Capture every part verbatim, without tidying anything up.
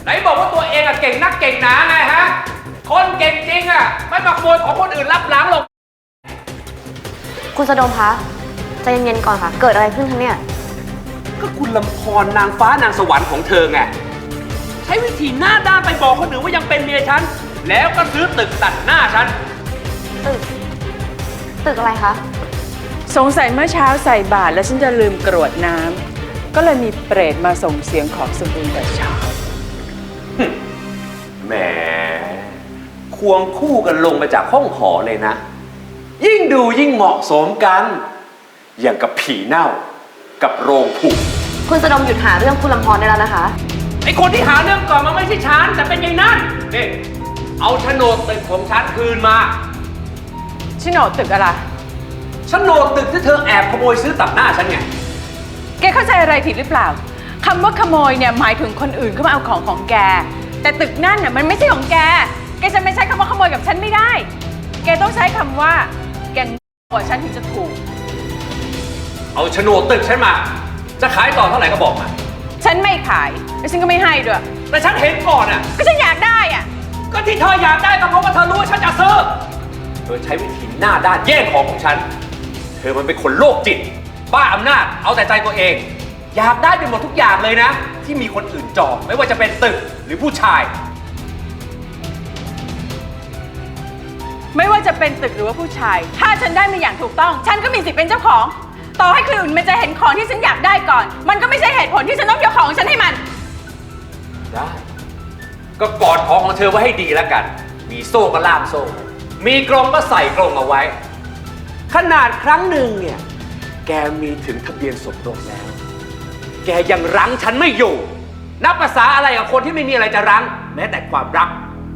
นบอกว่าตัวเองอะเก่งนักเก่งหนาไงฮะคนเก่งจริงอะไม่มาขโมยของคนอื่นรับหลังหรอกคุณสะดมคะใจเย็นๆก่อนค่ะเกิดอะไรขึ้นคะเนี่ยก็คุณลำพรนางฟ้านางสวรรค์ของเธอไงใช้วิธีหน้าด้านไปบอกคนอื่นว่ายังเป็นเมียฉันแล้วก็ซื้อตึกตัดหน้าฉันตึกตึกอะไรคะสงสัยเมื่อเช้าใส่บาตรแล้วฉันจะลืมกรวดน้ำก็เลยมีเปรตมาส่งเสียงขอสมบูรณ์แต่เช้าแหมควงคู่กันลงมาจากห้องหอเลยนะยิ่งดูยิ่งเหมาะสมกันอย่างกับผีเน่ากับโรงผุคุณสะดมหยุดหาเรื่องคุณลำพรได้แล้วนะคะไอคนที่หาเรื่องก่อนมันไม่ใช่ฉันแต่เป็นยายนั่นนี่เอาโฉนดตึกของฉันคืนมาโฉนดตึกอะไรโฉนดตึกที่เธอแอบขโมยซื้อตัดหน้าฉันไงแกเข้าใจอะไรผิดหรือเปล่าคำว่าขโมยเนี่ยหมายถึงคนอื่นเข้ามาเอาของของแกแต่ตึกนั่นน่ะมันไม่ใช่ของแกแกจะไม่ใช้คำว่าขโมยกับฉันไม่ได้แกต้องใช้คำว่าแกกว่าฉันถึงจะถูกเอาโฉนดตึกฉันมาจะขายต่อเท่าไหร่ก็บอกมาฉันไม่ขายและฉันก็ไม่ให้ด้วยแต่ฉันเห็นก่อนอ่ะก็ฉันอยากได้อ่ะก็ที่เธออยากได้ก็เพราะว่าเธอรู้ว่าฉันจะซื้อเธอใช้วิธีหน้าด้านแย่งของของฉันเธอมันเป็นคนโรคจิตบ้าอำนาจเอาแต่ใจตัวเองอยากได้เป็นหมดทุกอย่างเลยนะที่มีคนอื่นจองไม่ว่าจะเป็นตึกหรือผู้ชายไม่ว่าจะเป็นตึกหรือว่าผู้ชายถ้าฉันได้มาอย่างถูกต้องฉันก็มีสิทธิ์เป็นเจ้าของต่อให้คนอื่นมันจะเห็นของที่ฉันอยากได้ก่อนมันก็ไม่ใช่เหตุผลที่ฉันต้องยกของฉันให้มันได้ก็กอดของของเธอไว้ให้ดีแล้วกันมีโซ่ก็ล่ามโซ่มีกรงก็ใส่กรงเอาไว้ขนาดครั้งหนึ่งเนี่ยแกมีถึงทะเบียนสมรสแล้วแกยังรั้งฉันไม่อยู่นับภาษาอะไรกับคนที่ไม่มีอะไรจะรั้งแม้แต่ความรัก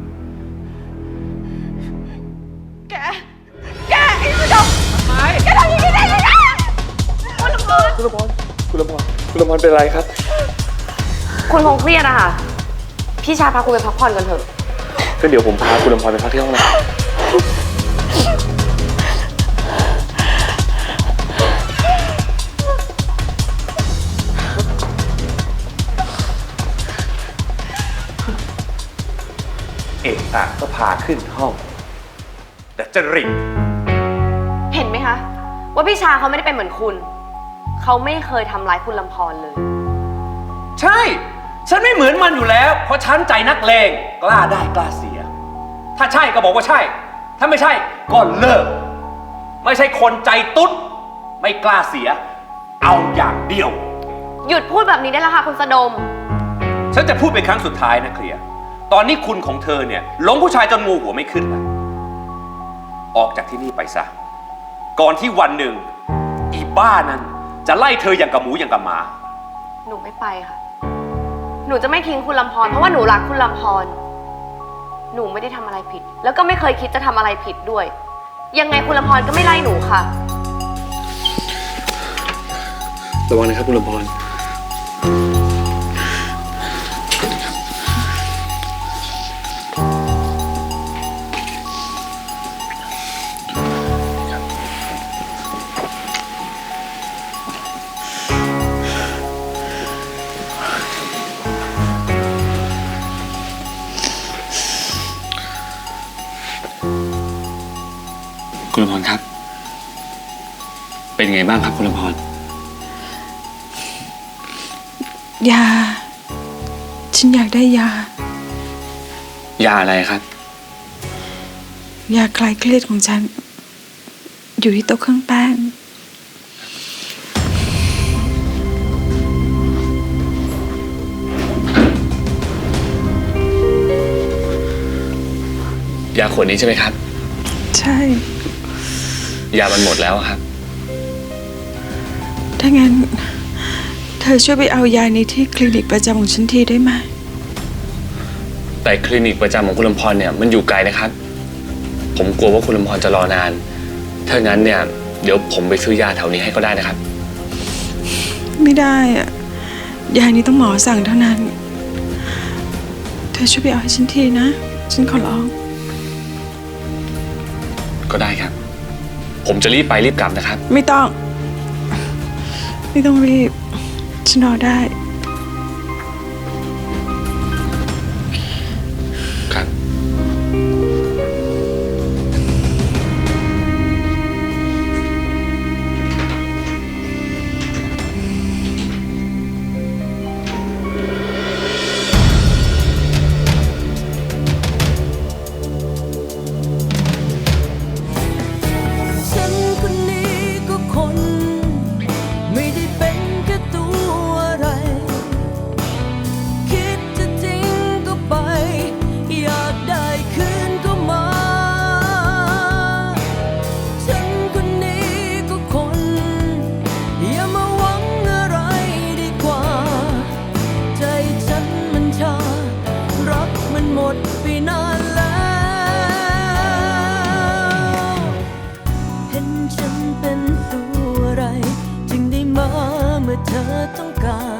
แกแกไอ้ผู้ชมทำไมแกทำอย่างนี้ได้ยังไงคุณลำพรคุณลำพรคุณลำพรคุณลำพรเป็นไรครับคุณคงเครียดอะค่ะพี่ชาพาคุณไปพักผ่อนกันเถอะก็เดี๋ยวผมพาคุณลำพรไปพักที่ห้องนะเอกอะก็พาขึ้นห้องแต่จะริงเห็นไหมคะว่าพี่ชาเขาไม่ได้เป็นเหมือนคุณเขาไม่เคยทำร้ายคุณลำพรเลยใช่ฉันไม่เหมือนมันอยู่แล้วเพราะฉันใจนักเลงกล้าได้กล้าเสียถ้าใช่ก็บอกว่าใช่ถ้าไม่ใช่ก็เลิกไม่ใช่คนใจตุ๊ดไม่กล้าเสียเอาอย่างเดียวหยุดพูดแบบนี้ได้แล้วค่ะคุณสะดมฉันจะพูดเป็นครั้งสุดท้ายนะเคลียร์ตอนนี้คุณของเธอเนี่ยหลงผู้ชายจนงูหัวไม่ขึ้นแล้วออกจากที่นี่ไปซะก่อนที่วันหนึ่งอีบ้านั้นจะไล่เธออย่างกับหมูอย่างกับหมาหนูไม่ไปค่ะหนูจะไม่ทิ้งคุณลำพรเพราะว่าหนูรักคุณลำพรหนูไม่ได้ทำอะไรผิดแล้วก็ไม่เคยคิดจะทำอะไรผิดด้วยยังไงคุณลำพรก็ไม่ไล่หนูค่ะระวังนะครับคุณลำพรคุณลำพรครับเป็นไงบ้างครับคุณลำพรยาฉันอยากได้ยายาอะไรครับยาคลายเครียดของฉันอยู่ที่โต๊ะเครื่องแป้งยาขวดนี้ใช่ไหมครับใช่ยามันหมดแล้วครับถ้างั้นเธอช่วยไปเอายานี้ที่คลินิกประจำของฉันทีได้ไหมแต่คลินิกประจำของคุณลำพรเนี่ยมันอยู่ไกลนะครับผมกลัวว่าคุณลำพรจะรอนานถ้างั้นเนี่ยเดี๋ยวผมไปซื้อยาแถวนี้ให้ก็ได้นะครับไม่ได้อะยานี้ต้องหมอสั่งเท่านั้นเธอช่วยไปเอาให้ฉันทีนะฉันขอร้องก็ได้ครับผมจะรีบไปรีบกลับนะครับไม่ต้องไม่ต้องรีบฉันรอได้กัน